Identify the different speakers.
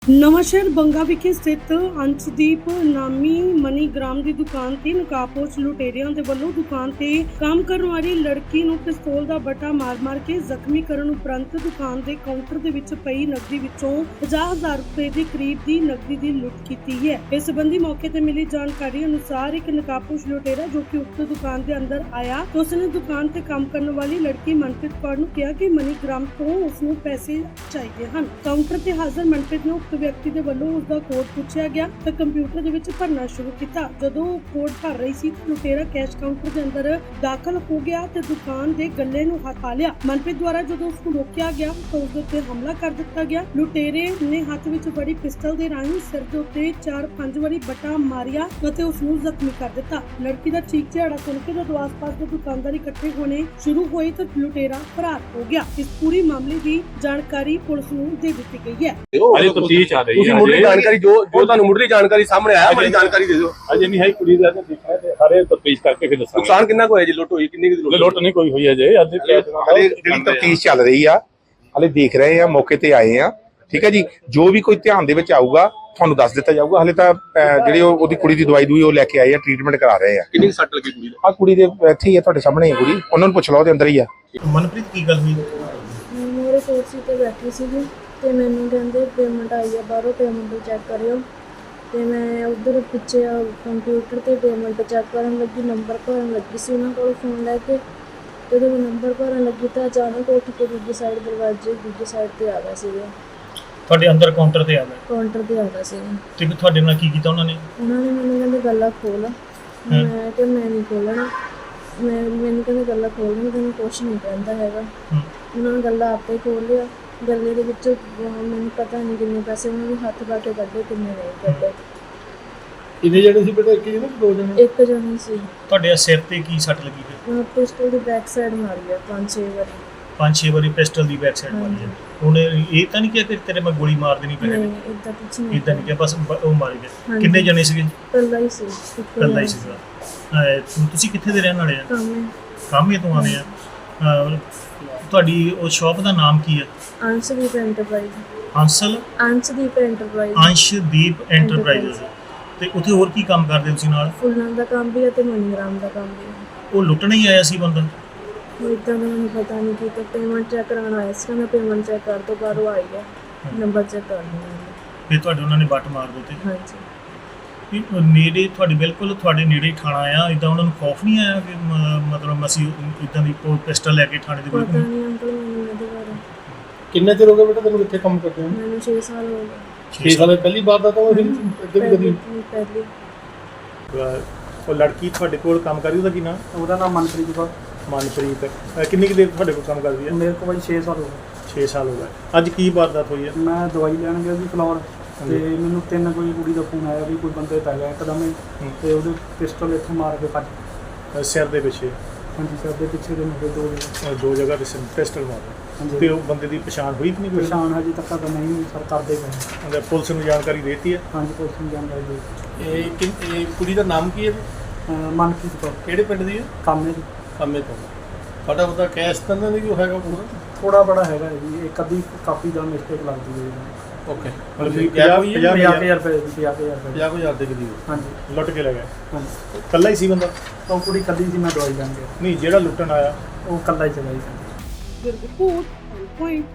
Speaker 1: ਨਵਾਂਸ਼ਹਿਰ ਬੰਗਾ ਵਿਖੇ ਸਥਿਤ ਅੰਸ਼ਦੀਪ ਨਾਮੀ ਮਨੀਗ੍ਰਾਮ ਦੀ ਦੁਕਾਨ ਤੇ ਨਕਾਬਪੋਸ਼ ਲੁਟੇਰਿਆਂ ਦੇ ਵੱਲੋਂ ਦੁਕਾਨ ਤੇ ਕੰਮ ਕਰਨ ਵਾਲੀ ਲੜਕੀ ਨੂੰ ਪਿਸਤੌਲ ਦਾ ਬੱਟਾ ਮਾਰ-ਮਾਰ ਕੇ ਜ਼ਖਮੀ ਕਰਨ ਉਪਰੰਤ ਦੁਕਾਨ ਦੇ ਕਾਊਂਟਰ ਦੇ ਵਿੱਚ ਪਈ ਨਕਦੀ ਵਿੱਚੋਂ 50,000 ਰੁਪਏ ਦੇ ਕਰੀਬ ਦੀ ਨਕਦੀ ਦੀ ਲੁੱਟ ਕੀਤੀ ਹੈ। ਇਸ ਸੰਬੰਧੀ ਮੌਕੇ ਤੇ ਮਿਲੀ ਜਾਣਕਾਰੀ ਅਨੁਸਾਰ ਇੱਕ ਨਕਾਬਪੋਸ਼ ਲੁਟੇਰਾ ਜੋ ਕਿ ਉਕਤ ਦੁਕਾਨ ਦੇ ਅੰਦਰ ਆਇਆ ਤਾਂ ਉਸਨੇ ਦੁਕਾਨ ਤੇ ਕੰਮ ਕਰਨ ਵਾਲੀ ਲੜਕੀ ਮਨਪ੍ਰੀਤ ਕੌਰ ਨੂੰ ਕਿਹਾ ਕਿ ਮਨੀਗ੍ਰਾਮ ਤੋਂ ਉਸਨੂੰ ਪੈਸੇ ਚਾਹੀਦੇ ਹਨ। ਕਾਊਂਟਰ ਤੇ ਹਾਜ਼ਰ ਮਨਪ੍ਰੀਤ ਨੂੰ ਵਿਅਕਤੀ ਦੇ ਵੱਲੋਂ ਉਸ ਦਾ ਕੋਡ ਪੁੱਛਿਆ ਗਿਆ ਤਾਂ ਕੰਪਿਊਟਰ ਦੇ ਵਿੱਚ ਭਰਨਾ ਸ਼ੁਰੂ ਕੀਤਾ। ਜਦੋਂ ਕੋਡ ਭਰ ਰਹੀ ਸੀ ਤਾਂ ਲੁਟੇਰਾ ਕੈਸ਼ ਕਾਊਂਟਰ ਦੇ ਅੰਦਰ ਦਾਖਲ ਹੋ ਗਿਆ ਤੇ ਦੁਕਾਨ ਦੇ ਗੱਲੇ ਨੂੰ ਹੱਥ ਪਾ ਲਿਆ। ਮਨਪ੍ਰੀਤ ਦੁਆਰਾ ਜਦੋਂ ਉਸ ਨੂੰ ਰੋਕਿਆ ਗਿਆ ਤਾਂ ਉਸ ਦੇ ਉੱਤੇ ਹਮਲਾ ਕਰ ਦਿੱਤਾ ਗਿਆ। ਲੁਟੇਰੇ ਨੇ ਹੱਥ ਵਿੱਚ ਫੜੀ ਪਿਸਟਲ ਦੇ ਰਾਹੀਂ ਸਿਰ ਦੇ ਉੱਤੇ 4-5 ਵਾਰੀ ਬੱਟਾ ਮਾਰਿਆ ਅਤੇ ਉਸ ਨੂੰ ਜ਼ਖਮੀ ਕਰ ਦਿੱਤਾ। ਲੜਕੀ ਦਾ ਚੀਕ ਚਿਹਾੜਾ ਸੁਣ ਕੇ ਜਦੋਂ ਆਸ-ਪਾਸ ਦੇ ਦੁਕਾਨਦਾਰ ਇਕੱਠੇ ਹੋਣੇ ਸ਼ੁਰੂ ਹੋਏ ਤਾਂ ਲੁਟੇਰਾ ਫਰਾਰ ਹੋ ਗਿਆ। ਇਸ ਪੂਰੀ ਮਾਮਲੇ ਦੀ ਜਾਣਕਾਰੀ ਪੁਲਿਸ ਨੂੰ ਦੇ ਦਿੱਤੀ ਗਈ ਹੈ।
Speaker 2: ਤੁਸੀਂ ਮੁੱਢਲੀ ਜਾਣਕਾਰੀ ਜੋ ਤੁਹਾਨੂੰ ਮੁੱਢਲੀ ਜਾਣਕਾਰੀ ਸਾਹਮਣੇ ਆਇਆ ਬੜੀ ਜਾਣਕਾਰੀ ਦੇ ਦਿਓ।
Speaker 3: ਅਜੇ ਨਹੀਂ ਹੈ ਕੁੜੀ ਦਾ ਦੇਖਿਆ ਤੇ ਸਾਰੇ ਤਫਤੀਸ਼ ਕਰਕੇ ਫਿਰ ਦੱਸਾਂਗੇ।
Speaker 2: ਨੁਕਸਾਨ ਕਿੰਨਾ ਕੁ ਹੋਇਆ ਜੀ? ਲੁੱਟ ਹੋਈ ਕਿੰਨੀ ਕੁ?
Speaker 3: ਲੁੱਟ ਨਹੀਂ ਕੋਈ ਹੋਈ ਅਜੇ ਅੱਜ
Speaker 4: ਹਾਲੇ ਜਿਹੜੀ ਤਫਤੀਸ਼ ਚੱਲ ਰਹੀ ਆ, ਹਾਲੇ ਦੇਖ ਰਹੇ ਆ, ਮੌਕੇ ਤੇ ਆਏ ਆ। ਠੀਕ ਹੈ ਜੀ, ਜੋ ਵੀ ਕੋਈ ਧਿਆਨ ਦੇ ਵਿੱਚ ਆਊਗਾ ਤੁਹਾਨੂੰ ਦੱਸ ਦਿੱਤਾ ਜਾਊਗਾ। ਹਾਲੇ ਤਾਂ ਜਿਹੜੀ ਉਹਦੀ ਕੁੜੀ ਦੀ ਦਵਾਈ ਦੂਈ ਉਹ ਲੈ ਕੇ ਆਏ ਆ, ਟ੍ਰੀਟਮੈਂਟ ਕਰਾ ਰਹੇ ਆ।
Speaker 2: ਕਿੰਨੀ ਸੱਟ ਲੱਗੀ ਕੁੜੀ ਦੇ?
Speaker 4: ਆ ਕੁੜੀ ਦੇ ਇੱਥੇ ਹੀ ਆ, ਤੁਹਾਡੇ ਸਾਹਮਣੇ ਹੀ ਕੁੜੀ, ਉਹਨਾਂ ਨੂੰ ਪੁੱਛ ਲਓ, ਉਹਦੇ ਅੰਦਰ ਹੀ ਆ।
Speaker 3: ਮਨਪ੍ਰੀਤ ਕੀ ਗੱਲ ਹੋਈ?
Speaker 5: ਮੇਰੇ ਕੁਰਸੀ ਤੇ ਬੈਠੀ ਸੀਗੀ ਤੇ ਮੈਨੂੰ ਕਹਿੰਦੇ ਪੇਮੈਂਟ ਆਈ ਆ ਬਾਹਰੋਂ, ਪੇਮੈਂਟ ਚੈੱਕ ਕਰਿਓ। ਤੇ ਮੈਂ ਉਧਰ ਪਿੱਛੇ ਕੰਪਿਊਟਰ ਤੇ ਪੇਮੈਂਟ ਚੈੱਕ ਕਰਨ ਲੱਗੀ, ਨੰਬਰ ਭਰਨ ਲੱਗੀ ਸੀ ਉਹਨਾਂ ਕੋਲ ਫੋਨ ਲੈ ਕੇ। ਤੇ ਜਦੋਂ ਨੰਬਰ ਭਰਨ ਲੱਗੀ ਤਾਂ ਅਚਾਨਕ ਉੱਠ ਕੇ ਦੂਜੀ ਸਾਈਡ ਦਰਵਾਜ਼ੇ ਦੂਜੀ ਸਾਈਡ ਤੇ ਆ ਗਿਆ ਸੀਗਾ।
Speaker 3: ਤੁਹਾਡੇ ਅੰਦਰ ਕਾਊਂਟਰ ਤੇ ਆ ਗਏ?
Speaker 5: ਕਾਊਂਟਰ ਤੇ ਆ ਗਿਆ ਸੀਗਾ।
Speaker 3: ਤੇ ਤੁਹਾਡੇ ਨਾਲ ਕੀ ਕੀਤਾ ਉਹਨਾਂ ਨੇ?
Speaker 5: ਮੈਨੂੰ ਕਹਿੰਦੇ ਗੱਲਾਂ ਖੋਲ। ਮੈਂ ਕਿਹਾ ਮੈਂ ਨਹੀਂ ਖੋਲਣਾ। ਮੈਨੂੰ ਕਹਿੰਦੇ ਗੱਲਾਂ ਖੋਲ, ਮੈਂ ਤੈਨੂੰ ਕੁਛ ਨਹੀਂ ਕਹਿੰਦਾ ਹੈਗਾ। ਉਹਨਾਂ ਨੇ ਗੱਲਾਂ ਆਪੇ ਖੋਲ ਲਿਆ। ਗੱਲੇ ਦੇ ਵਿੱਚ ਮੈਨੂੰ ਪਤਾ ਨਹੀਂ ਕਿੰਨੇ ਪੈਸੇ ਉਹਨਾਂ ਨੇ ਹੱਥ ਪਾ ਕੇ ਕੱਢੇ, ਕਿੰਨੇ ਨਹੀਂ ਕੱਢੇ।
Speaker 3: ਕਿੰਨੇ ਜਣੇ ਸੀ ਬੇਟਾ? ਇੱਕ ਜਣੇ ਕਿ ਦੋ ਜਣੇ?
Speaker 5: ਇੱਕ ਜਣੇ ਸੀ।
Speaker 3: ਤੁਹਾਡੇ ਸਿਰ ਤੇ ਕੀ ਸੱਟ ਲੱਗੀ ਫਿਰ?
Speaker 5: ਪਿਸਟਲ ਦੀ ਬੈਕ ਸਾਈਡ ਮਾਰੀ ਆ 5-6 ਵਾਰੀ।
Speaker 3: 5-6 ਵਾਰੀ ਪਿਸਟਲ ਦੀ ਬੈਕ ਸਾਈਡ ਮਾਰੀ ਹੈ। ਉਹਨੇ ਇਹ ਤਾਂ ਨਹੀਂ ਕਿਹਾ ਕਿ ਤੇਰੇ ਮੈਂ ਗੋਲੀ ਮਾਰ ਦੇਣੀ ਪੈਣੀ?
Speaker 5: ਨਹੀਂ, ਇਦਾਂ ਕੁਝ ਨਹੀਂ।
Speaker 3: ਇਦਾਂ ਨਹੀਂ ਕਿਹਾ, ਬਸ ਉਹ ਮਾਰ ਗਿਆ। ਕਿੰਨੇ ਜਣੇ ਸੀਗੇ?
Speaker 5: ਇਕੱਲਾ ਹੀ ਸੀ।
Speaker 3: ਇਕੱਲਾ ਹੀ ਸੀਗਾ। ਤੁਸੀਂ ਕਿੱਥੇ ਦੇ ਰਹਿਣ ਵਾਲੇ ਆ? ਕਾਮੇ ਤੋਂ ਆਉਂਦੇ ਆ। ਤੁਹਾਡੀ ਉਹ ਸ਼ਾਪ ਦਾ ਨਾਮ ਕੀ ਹੈ?
Speaker 5: ਅੰਸ਼ਦੀਪ ਐਂਟਰਪ੍ਰਾਈਜ਼।
Speaker 3: ਅੰਸ਼ਦੀਪ ਐਂਟਰਪ੍ਰਾਈਜ਼। ਤੇ ਉੱਥੇ ਹੋਰ ਕੀ ਕੰਮ ਕਰਦੇ ਤੁਸੀਂ ਨਾਲ?
Speaker 5: ਫੁੱਲਾਂ ਦਾ ਕੰਮ ਵੀ ਹੈ ਤੇ ਮਨੀਗ੍ਰਾਮ ਦਾ ਕੰਮ ਵੀ ਹੈ।
Speaker 3: ਉਹ ਲੁੱਟਣ ਹੀ ਆਇਆ ਸੀ ਬੰਦਾ?
Speaker 5: ਇਦਾਂ ਦਾ ਮੈਨੂੰ ਪਤਾ ਨਹੀਂ ਕਿ ਤਾਂ ਪੇਮੈਂਟ ਚੈੱਕ ਕਰਾਉਣ ਆਇਆ ਸੀ। ਮੈਂ ਪੇਮੈਂਟ ਚੈੱਕ ਕਰ ਤੋਂ ਬਾਅਦ ਆ ਗਿਆ, ਨੰਬਰ ਚੈੱਕ ਕਰ ਲਿਆ।
Speaker 3: ਫਿਰ ਤੁਹਾਡੇ ਉਹਨਾਂ ਨੇ ਬੱਟ ਮਾਰ ਦਿੱਤੇ?
Speaker 5: ਹਾਂਜੀ।
Speaker 3: ਨੇੜੇ ਤੁਹਾਡੇ ਬਿਲਕੁਲ ਤੁਹਾਡੇ ਨੇੜੇ ਹੀ ਥਾਣਾ ਆ, ਇਦਾਂ ਉਹਨਾਂ ਨੂੰ ਖੌਫ ਨਹੀਂ ਆਇਆ ਕਿ ਮਤਲਬ ਅਸੀਂ ਇਦਾਂ ਦੀ ਪਿਸਟਲ ਲੈ ਕੇ ਥਾਣੇ ਦੇ ਕੋਲ?
Speaker 5: ਪਤਾ ਨਹੀਂ ਅੰਕਲ ਮੈਨੂੰ ਇਹਦੇ ਬਾਰੇ।
Speaker 3: ਕਿੰਨੇ ਚਿਰ ਹੋ ਗਿਆ ਬੇਟਾ ਤੈਨੂੰ ਇੱਥੇ ਕੰਮ ਕਰਦੇ ਹੋ?
Speaker 5: ਮੈਨੂੰ 6 ਸਾਲ ਹੋ ਗਏ।
Speaker 3: 6 ਸਾਲ ਪਹਿਲੀ ਵਾਰ ਦਾ ਤਾਂ ਉਹ ਅੱਗੇ ਵੀ ਕਦੀ?
Speaker 5: ਪਹਿਲੀ।
Speaker 3: ਉਹ ਲੜਕੀ ਤੁਹਾਡੇ ਕੋਲ ਕੰਮ ਕਰਦੀ, ਉਹਦਾ ਕੀ ਨਾਮ?
Speaker 6: ਉਹਦਾ ਨਾਮ ਮਨਪ੍ਰੀਤ ਕੌਰ।
Speaker 3: ਮਨਪ੍ਰੀਤ ਕਿੰਨੀ ਕੁ ਦੇਰ ਤੁਹਾਡੇ ਕੋਲ ਕੰਮ ਕਰਦੀ ਹੈ?
Speaker 6: ਮੇਰੇ ਕੋਲ 6 ਸਾਲ ਹੋ ਗਏ।
Speaker 3: 6 ਸਾਲ ਹੋ ਗਏ। ਅੱਜ ਕੀ ਵਾਰਦਾਤ ਹੋਈ ਹੈ?
Speaker 6: ਮੈਂ ਦਵਾਈ ਲੈਣ ਗਿਆ ਸੀ ਫਲੋਰ ਤੇ ਮੈਨੂੰ 3 ਕੋਈ ਕੁੜੀ ਦਾ ਫੋਨ ਆਇਆ ਵੀ ਕੋਈ ਬੰਦੇ ਪੈ ਗਿਆ ਇੱਕਦਮ ਹੀ ਤੇ ਉਹਦੇ ਪਿਸਟਲ ਇੱਥੋਂ ਮਾਰ ਕੇ ਭੱਜ।
Speaker 3: ਸਿਰ ਦੇ ਪਿੱਛੇ?
Speaker 6: ਹਾਂਜੀ, ਸਿਰ ਦੇ ਪਿੱਛੇ ਦੇ ਮੇਰੇ
Speaker 3: ਦੋ ਜਗ੍ਹਾ ਤੇ ਪਿਸਟਲ ਮਾਰਿਆ। ਤੇ ਉਹ ਬੰਦੇ ਦੀ ਪਛਾਣ ਹੋਈ ਕਿ ਨਹੀਂ?
Speaker 6: ਪਛਾਣ ਹਜੇ ਤੱਕ ਤਾਂ ਨਹੀਂ ਸਰ ਕਰਦੇ ਪਏ।
Speaker 3: ਪੁਲਿਸ ਨੂੰ ਜਾਣਕਾਰੀ ਦੇਤੀ ਹੈ?
Speaker 6: ਹਾਂਜੀ, ਪੁਲਿਸ ਨੂੰ ਜਾਣਕਾਰੀ ਦੇ।
Speaker 3: ਇਹ ਕੁੜੀ ਦਾ ਨਾਮ ਕੀ ਹੈ?
Speaker 6: ਮਨਪ੍ਰੀਤ ਕੌਰ।
Speaker 3: ਕਿਹੜੇ ਪਿੰਡ ਦੀ ਹੈ?
Speaker 6: ਕਾਮੇ ਦੀ।
Speaker 3: ਕਾਮੇ ਤੋਂ। ਤੁਹਾਡਾ ਉਹਦਾ ਕੈਸ਼ ਤਾਂ ਨਹੀਂ ਜੋ ਹੈਗਾ ਪੂਰਾ?
Speaker 6: ਥੋੜਾ ਬੜਾ ਹੈਗਾ ਜੀ, ਇੱਕ ਅੱਧੀ ਕਾਪੀ ਦਾ ਮਿਸਟੇਕ ਲੱਗਦੀ ਹੈ।
Speaker 3: ਓਕੇ,
Speaker 6: 50,000 ਰੁਪਏ ਦੀ।
Speaker 3: 50,000 ਦੇ ਕਰੀਬ?
Speaker 6: ਹਾਂਜੀ।
Speaker 3: ਲੁੱਟ ਕੇ ਲੈ ਗਏ?
Speaker 6: ਹਾਂਜੀ।
Speaker 3: ਇਕੱਲਾ ਹੀ ਸੀ ਬੰਦਾ?
Speaker 6: ਉਹ ਕੁੜੀ ਇਕੱਲੀ ਸੀ, ਮੈਂ ਦਵਾਈ ਲੈਣ ਗਿਆ।
Speaker 3: ਨਹੀਂ, ਜਿਹੜਾ ਲੁੱਟਣ ਆਇਆ
Speaker 6: ਉਹ ਇਕੱਲਾ ਹੀ ਚਲਾ ਗਿਆ।
Speaker 1: ਰਿਪੋਰਟ